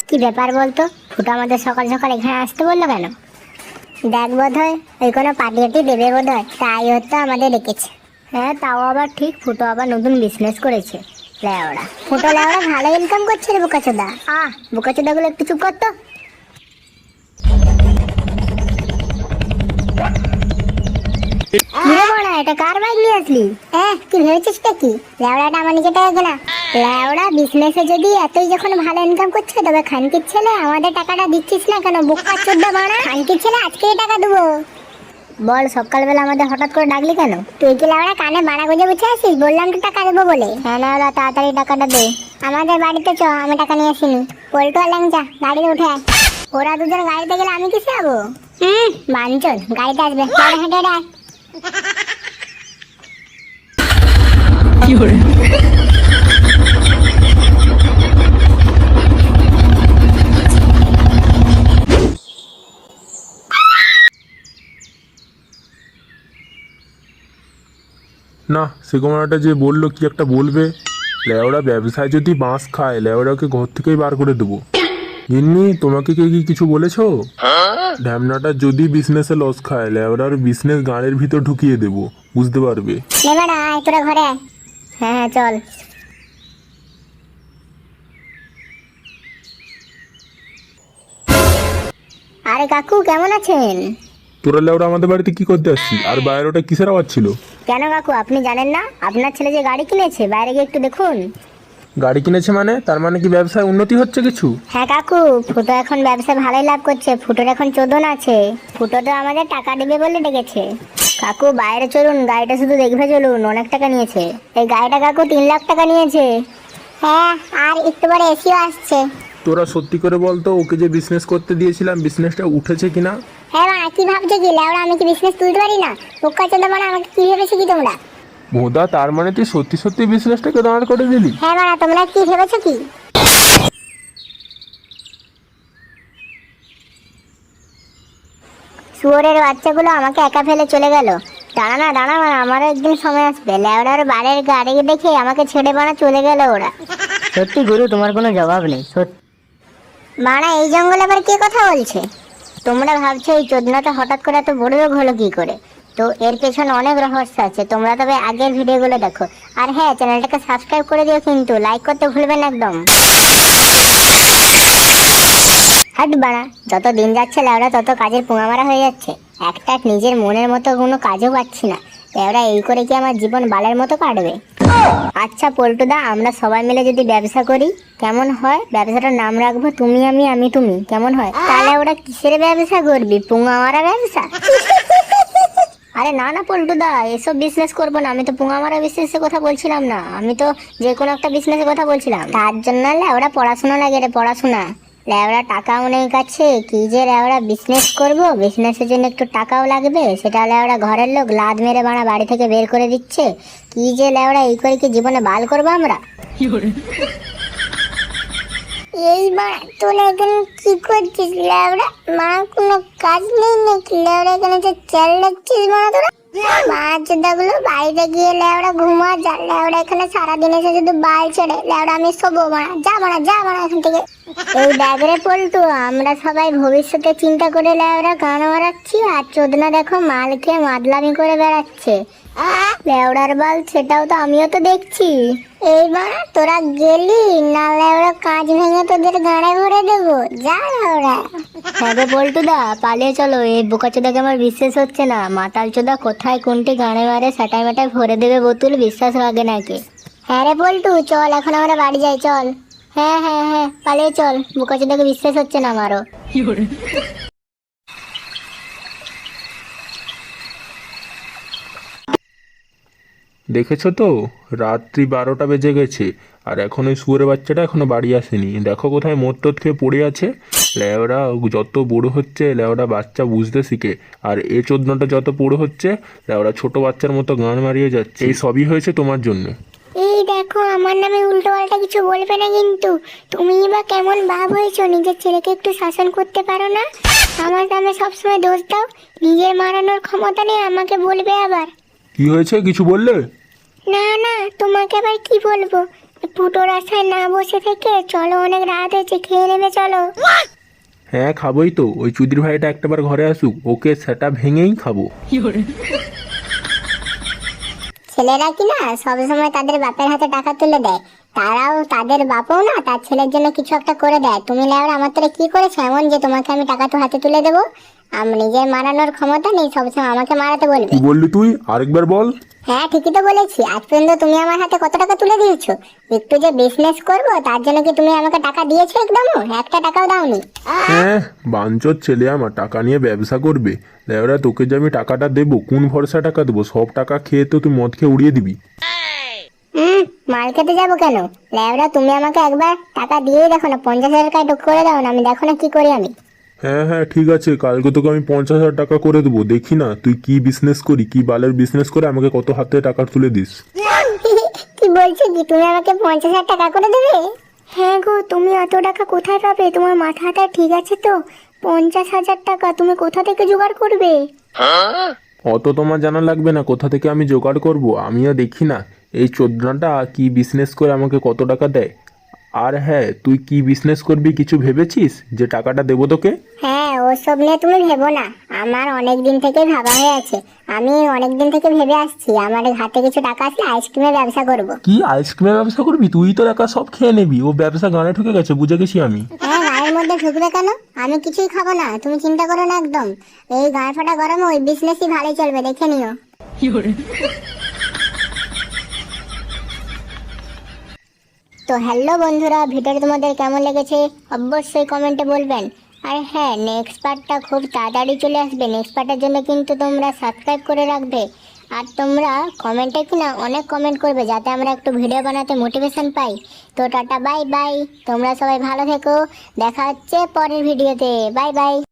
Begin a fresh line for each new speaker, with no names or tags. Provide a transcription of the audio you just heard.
কি ব্যাপার বলতো? ফুটো আমাদের সকাল সকাল এখানে আসতে বললো কেন? দেখ বোধ হয় ওই কোনো পার্টি দেবে বোধ হয়, তাই হয়তো আমাদের ডেকেছে। হ্যাঁ, তাও আবার ঠিক, ফুটো আবার নতুন বিজনেস করেছে। লেওড়া ফুটো লেওড়া ভালো ইনকাম করছে রে বোকাচোদা। বোকাচোদা গুলো একটু চুপ করতো। এটা কার বাইক নিয়ে আসলি? কি ভেবেছিস কি লেওড়াটা আমার নিজে টাকা কেনা? লেওড়া বিজনেসে যদি এতই যখন ভালো ইনকাম করছে, তবে খানকির ছেলে আমাদের টাকাটা দিচ্ছিস না কেন? বোকাচোদা বাড়া, খানকির ছেলে আজকেই টাকা দেবো। বল, সকালবেলা আমাদের হঠাৎ করে ডাকলি কেন? তুই কি লেওড়া কানে বাড়া গুঁজে বসে আছিস? বললাম তো টাকা দেবো বলে। হ্যাঁ লেওড়া, তাড়াতাড়ি টাকাটা দে। আমাদের বাড়িতে চ, আমি টাকা নিয়ে আসিনি। পল্টু আর ল্যাংচা গাড়িতে উঠে আয়। ওরা দুজন গাড়িতে গেলে আমি কিসে যাবো? বাঞ্চল গাড়িতে আসবে। হেঁটে হেঁটে আয়।
না, সেগোমাটা যে বললো কি একটা বলবে। লেওড়া ব্যবসায় যদি বাঁশ খায়, লেওড়াকে ঘর থেকেই বার করে দেবো। গিন্নি, তোমাকে কে কি কিছু বলেছো? ঢ্যামনাটা যদি বিজনেসে লস খায়, লেওড়ার বিজনেস গাড়ির ভিতর ঢুকিয়ে দেবো, বুঝতে পারবে।
তোরা ঘরে আয়। হ্যাঁ চল। আরে কাকু, কেমন আছেন?
তোরা লেওড়া আমাদের বাড়িতে কি করতে আসছি? আর বাইরে ওটা কিসের আওয়াজ ছিল?
কেন কাকু, আপনি জানেন না? আপনার ছেলে যে গাড়ি কিনেছে, বাইরে গিয়ে একটু দেখুন।
গাড়ি কিনেছে মানে? তার মানে কি ব্যবসায় উন্নতি হচ্ছে কিছু?
হ্যাঁ কাকু, ফুটো এখন ব্যবসায় ভালোই লাভ করছে। ফুটোর এখন চোদন আছে। ফুটো তো আমাদের টাকা দেবে বলে ডেকেছে। কাকু বাইরে চলুন, গাড়িটা শুধু দেখবে চলুন, অনেক টাকা নিয়েছে এই গাড়িটা। কাকু 3 লাখ টাকা নিয়েছে। হ্যাঁ, আর একটু পরে এসিও আসছে।
তোরা সত্যি করে বলতো, ওকে যে বিজনেস করতে দিয়েছিলাম, বিজনেসটা উঠেছে কিনা?
হ্যাঁ মা, কি ভাবছো কি লেওড়া? আমি কি বিজনেস তুলতে পারি না? বোকা চোদা মানে, আমাকে কি ভেবেছো কি তোমরা?
ভোদা, তার মানে তুই সত্যি সত্যি বিজনেসটাকে দাঁড় করে দিলি?
হ্যাঁ মা, তোমরা কি ভেবেছো কি? শুয়োরের বাচ্চাগুলো আমাকে একা ফেলে চলে গেল। দাঁড়া না, আমারও একদিন সময় আসবে। লেওড়ার বাড়ির গাড়ি দেখে আমাকে ছেড়ে বানা চলে গেল ওরা।
সত্যি গুরু, তোমার কোনো জবাব নেই।
মানা, এই জঙ্গলে আবার কে কথা বলছে? তোমরা ভাবছো এই চোদনাটা হঠাৎ করে এত বড় রোগ হলো কি করে? তো এর পেছনে অনেক রহস্য আছে। তোমরা তবে আগের ভিডিওগুলো দেখো। আর হ্যাঁ, চ্যানেলটাকে সাবস্ক্রাইব করে দিও, কিন্তু লাইক করতে ভুলবেন না একদম। হাট বাড়া, যত দিন যাচ্ছে লেওড়া তত কাজের পোঙামারা হয়ে যাচ্ছে। একটা নিজের মনের মতো কোনো কাজও পাচ্ছি না। লেওড়া এই করে কি আমার জীবন বালের মতো কাটবে? আচ্ছা পল্টুদা, আমরা সবাই মিলে যদি ব্যবসা করি কেমন হয়? ব্যবসাটার নাম রাখবো তুমি আমি, আমি তুমি, কেমন হয়? তাহলে ওরা কিসের ব্যবসা করবি? পোঙামারা ব্যবসা? আরে না না পল্টুদা, এসব বিজনেস করবো না। আমি তো পোঙামারা বিজনেসের কথা বলছিলাম না, আমি তো যে কোনো একটা বিজনেসের কথা বলছিলাম। তার জন্য লেওড়া পড়াশোনা লাগে রে, পড়াশোনা। লেওড়া টাকাও নেই কাছে, কি যে লেওড়া বিজনেস করব? বিজনেসের জন্য একটু টাকাও লাগবে, সেটা লেওড়া ঘরের লোক লাদ মেরে বাড়া বাড়ি থেকে বের করে দিচ্ছে। কি যে লেওড়া এই করে কি জীবনে বাল করবো আমরা? এই মা, তোরা এখানে কি করছিস লেওড়া? মা, কোনো কাজ নেই নাকি লেওড়া? এখানে যে চাল লাগছিস মা তোরা? বাচ্চাগুলো বাইরে গিয়ে লেওড়া ঘুমা যা। লেওড়া এখানে সারাদিন এসে শুধু বাল ছেড়ে। লেওড়া আমি শোবো মারা, যা এখান থেকে। এই ব্যাগরে পল্টু, আমরা সবাই ভবিষ্যতে চিন্তা করে লেওড়া গান মারাচ্ছি, আর চোদনা দেখো মাল খেয়ে মাদলামি করে বেড়াচ্ছে। লেওড়ার বাল, সেটাও তো আমিও তো দেখছি। এইবার তোরা গেলি না লেওড়া কাজ ভেঙে তোদের গাড়ে ভরে দেবো, যা লেওড়া। হ্যাঁ রে পল্টুদা, পালিয়ে চলো। এই বোকাচোদাকে আমার বিশ্বাস হচ্ছে না। মাতাল চোদা কোথায় কোনটি গাড়ে মারে সাটাই মাটায় ভরে দেবে বোতল, বিশ্বাস লাগে নাকি? হ্যাঁ রে পল্টু, চল এখন আমরা বাড়ি যাই, চল। হ্যাঁ হ্যাঁ হ্যাঁ, পালিয়ে চল। বোকাচোদাকে বিশ্বাস হচ্ছে না আমারও।
দেখেছো তো, রাত্রি 12টা বেজে গেছে, আর এখন ওই শুয়োরের বাচ্চাটা এখনো বাড়ি আসেনি। দেখো কোথায় মোট টোট খেয়ে পড়ে আছে। লেওড়া যত বড় হচ্ছে, লেওড়া বাচ্চা বুঝতে শিখে, আর এ চোদনাটা যত বড় হচ্ছে, লেওড়া ছোট বাচ্চার মতো গান মারিয়ে যাচ্ছে। এই সবই হয়েছে তোমার জন্য।
এই দেখো, আমার নামে উল্টো পাল্টা কিছু বলবে না কিন্তু। তুমি বা কেমন ভাব হয়েছো? নিজের ছেলেকে একটু শাসন করতে পারো না? আমার নামে সবসময় দোষ দাও। নিজের মারানোর ক্ষমতা নেই, আমাকে বলবে আবার।
কি হয়েছে, কিছু বললে?
না না, তোমাকে আবার কি বলবো? ফুটো রাস্তায় না বসে থেকে চলো, অনেক রাত হয়েছে, খেয়ে নেবে চলো।
হ্যাঁ খাবোই তো, ওই চুদির ভাইটা একটাবার ঘরে আসুক, ওকে সেটা ভেঙেই খাবো।
ছেলেরা কি না সবসময় তাদের বাপের হাতে টাকা তুলে দেয়, তারাও তাদের বাপও না তার ছেলের জন্য কিছু একটা করে দেয়। তুমি লেওরা আমার তোরে কি করেছো এমন যে তোমাকে আমি টাকা তো হাতে তুলে দেবো? আমি নিজের মারানোর ক্ষমতা নেই, সবসময় আমাকে মারাতে বলবে।
কি বললি তুই? আরেকবার বল।
হ্যাঁ ঠিকই তো বলেছি, আজ পর্যন্ত তুমি আমার হাতে কত টাকা তুলে দিয়েছো? একটু যে বিজনেস করবো তার জন্য কি তুমি আমাকে টাকা দিয়েছো? একদমও একটা টাকাও দাওনি।
হ্যাঁ বাঞ্চোর ছেলে আমার টাকা নিয়ে ব্যবসা করবে। লেওরা তোকে যে আমি টাকাটা দেবো, কোন ভরসা টাকা দেবো? সব টাকা খেয়ে তো তুই মদ খেয়ে উড়িয়ে দিবি।
মাল খেতে যাবো কেন? লেওরা তুমি আমাকে একবার টাকা দিয়েই দেখো না, 50,000 টাকা করে দাও না, আমি দেখো না কি করি আমি।
হ্যাঁ হ্যাঁ ঠিক আছে, কালকে তোকে আমি 50,000 টাকা করে দেবো। দেখি না তুই কি বিজনেস করি, কি বালের বিজনেস করে আমাকে কত হাতে টাকা তুলে দিস।
কি বলছো কি, তুমি আমাকে 50,000 টাকা করে দেবে? হ্যাঁ গো, তুমি এত টাকা কোথায় পাবে? তোমার মাথাটা ঠিক আছে তো? 50,000 টাকা তুমি কোথা থেকে জোগাড় করবে?
অত তোমার জানা লাগবে না কোথা থেকে আমি জোগাড় করব। আমিও দেখি না এই চোদনাটা কি বিজনেস করে আমাকে কত টাকা দেয়। আর হ্যাঁ, তুই কি বিজনেস করবি কিছু ভেবেছিস যে টাকাটা দেবো তোকে?
হ্যাঁ ওসব নিয়ে তুমি ভেবো না, আমার অনেক দিন থেকে ভাবা হয়ে আছে। আমি অনেক দিন থেকে ভেবে আসছি আমার হাতে কিছু টাকা আসলে আইসক্রিমের ব্যবসা করব।
কি আইসক্রিমের ব্যবসা করবি? তুই তো টাকা সব খেয়ে নিবি, ও ব্যবসা গানে ঢুকে গেছে, বুঝে গেছি আমি।
হ্যাঁ গায়ের মধ্যে ঢুকবে কেন? আমি কিছুই খাবো না, তুমি চিন্তা করো না একদম। এই গায়ে ফাটা গরমে ওই বিজনেসই ভালোই চলবে, দেখে নিও। তো হ্যালো বন্ধুরা, ভিডিওটা তোমাদের কেমন লেগেছে অবশ্যই কমেন্টে বলবেন। আর হ্যাঁ, নেক্সট পার্টটা খুব তাড়াতাড়ি চলে আসবে। নেক্সট পার্টের জন্য কিন্তু তোমরা সাবস্ক্রাইব করে রাখবে। আর তোমরা কমেন্টে কিনা অনেক কমেন্ট করবে যাতে আমরা একটু ভিডিও বানাতে মোটিভেশন পাই। তো টাটা বাই বাই, তোমরা সবাই ভালো থেকো, দেখা হচ্ছে পরের ভিডিওতে। Bye by.